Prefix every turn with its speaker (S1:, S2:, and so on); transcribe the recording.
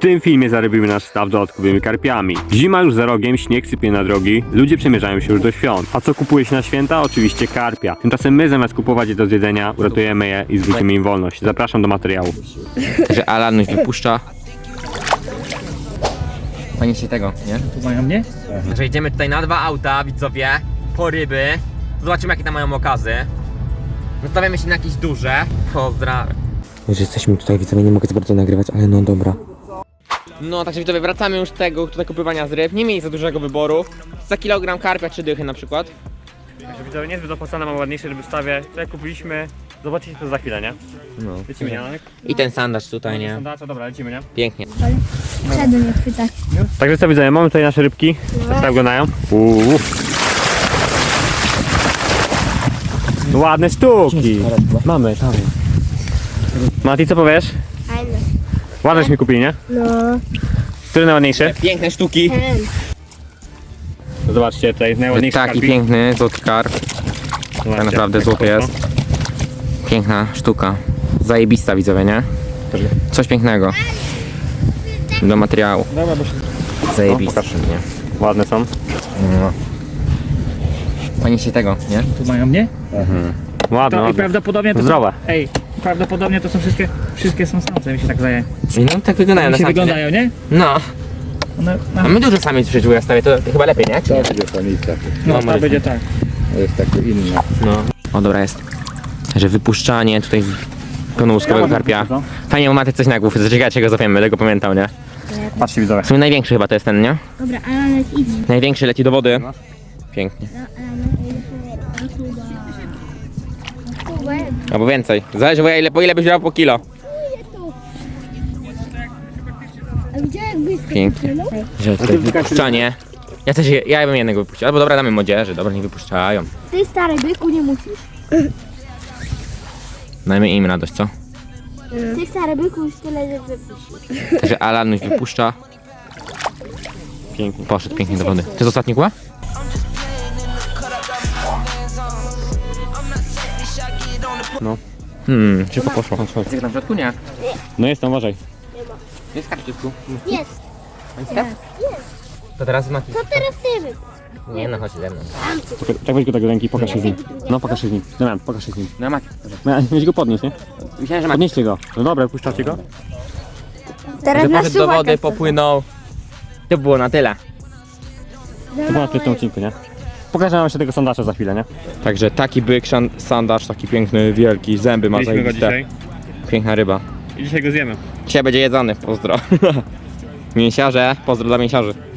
S1: tym filmie zarobimy nasz staw dodatkowymi karpiami. Zima już za rogiem, śnieg sypie na drogi, ludzie przemierzają się już do świąt. A co kupuje się na święta? Oczywiście karpia. Tymczasem my zamiast kupować je do zjedzenia, uratujemy je i zwrócimy im wolność. Zapraszam do materiału.
S2: Że Alan już wypuszcza. Pani się tego, nie?
S3: Tu mają mnie?
S2: Że idziemy tutaj na 2 auta, widzowie, po ryby. Zobaczymy jakie tam mają okazy. Nastawiamy się na jakieś duże. Pozdrawiam. Już jesteśmy tutaj, widzowie, nie mogę za bardzo nagrywać, ale no dobra. No, także widzowie, wracamy już z tego tutaj kupywania z ryb. Nie mieli za dużego wyboru. Za kilogram karpia 3 dychy na przykład.
S1: Także widzowie, niezbyt opłacane, mam ładniejsze ryby w stawie. Tutaj kupiliśmy, zobaczycie to za chwilę, nie?
S2: No.
S1: Lecimy, nie?
S2: I ten sandaż tutaj, nie?
S1: Sandacza, dobra, lecimy, nie?
S2: Pięknie.
S4: Przedu nie chwytać.
S1: Także co widzowie, mamy tutaj nasze rybki. Tak wyglądają. Ładne sztuki. Mamy, tam. Mati, co powiesz?
S4: Fajne.
S1: Ładneś mi kupili, nie?
S4: No,
S1: Który najładniejszy?
S2: Piękne sztuki.
S4: ten.
S1: Zobaczcie, tutaj najładniejszy
S2: Taki
S1: karpik.
S2: piękny, złoty karp.
S1: Zobaczcie.
S2: Tak naprawdę złoty jest. Piękna sztuka. Zajebista, widzowie, nie? Coś pięknego. Do materiału.
S1: Dobra, bo się...
S2: Zajebista, nie?
S1: Ładne są.
S2: No. Pani się tego, nie?
S3: Tu mają mnie?
S1: Ładne,
S3: To, I
S1: ładne.
S3: prawdopodobnie to
S1: Zdrowe.
S3: Są, ej, prawdopodobnie to są wszystkie są samce, mi się tak zdaje.
S2: No tak wyglądają na
S3: Mi się
S2: samce,
S3: wyglądają, nie?
S2: No.
S3: One,
S2: A my dużo samiec przecież ja stawię, to chyba lepiej, nie?
S5: To będzie samica,
S3: no, to będzie tak.
S5: to jest takie inne.
S2: No. O, dobra jest. Że wypuszczanie tutaj pełnołuskowego karpia. Fajnie, macie coś na głów, zaczekajcie go złapiemy, będę go pamiętał, nie?
S1: Patrzcie widzowie.
S2: W sumie największy chyba to jest ten, nie?
S4: Dobra, Alanek idź.
S2: Największy leci do wody. Pięknie. Albo więcej. Zależy po ile byś brał po kilo.
S4: A gdzie jak blisko?
S2: Pięknie. Że tutaj wypuszczanie. Ja bym jednego wypuścił. Albo dobra, damy młodzieży, dobra, nie wypuszczają.
S4: Ty stary byku nie musisz.
S2: Dajmy im radość, co?
S4: Ty stary byku już tyle, że wypuścisz.
S2: Także Alan już wypuszcza.
S1: Pięknie.
S2: Poszedł pięknie do wody. To jest ostatni kła?
S1: No.
S2: Szybko poszło. Jest tam w środku? Nie.
S1: No jest tam, uważaj.
S2: Jest karp w środku.
S4: Jest.
S2: To teraz Mati.
S4: To teraz ty wypuść.
S2: Nie no, chodź ze mną.
S1: Tak weź go tak do ręki, pokaż się z nim. No pokaż się z nim. Damian, pokaż się z nim.
S2: No Mati.
S1: Weź go podnieść, nie?
S2: Myślałem, że Mati.
S1: Podnieście go. No dobra, puszczacie go.
S4: Teraz
S2: Że
S4: na
S2: poszedł do wody, popłynął. To było na tyle.
S1: To ponad w tym odcinku, nie? Pokażę wam jeszcze tego sandacza za chwilę, nie?
S2: Także taki byk, sandaż, taki piękny, wielki, zęby ma
S1: Mieliśmy go
S2: zajebiste.
S1: dzisiaj
S2: Piękna ryba.
S1: i dzisiaj go zjemy.
S2: Dzisiaj będzie jedzony, pozdro. Mięsiarze, pozdro dla mięsiarzy.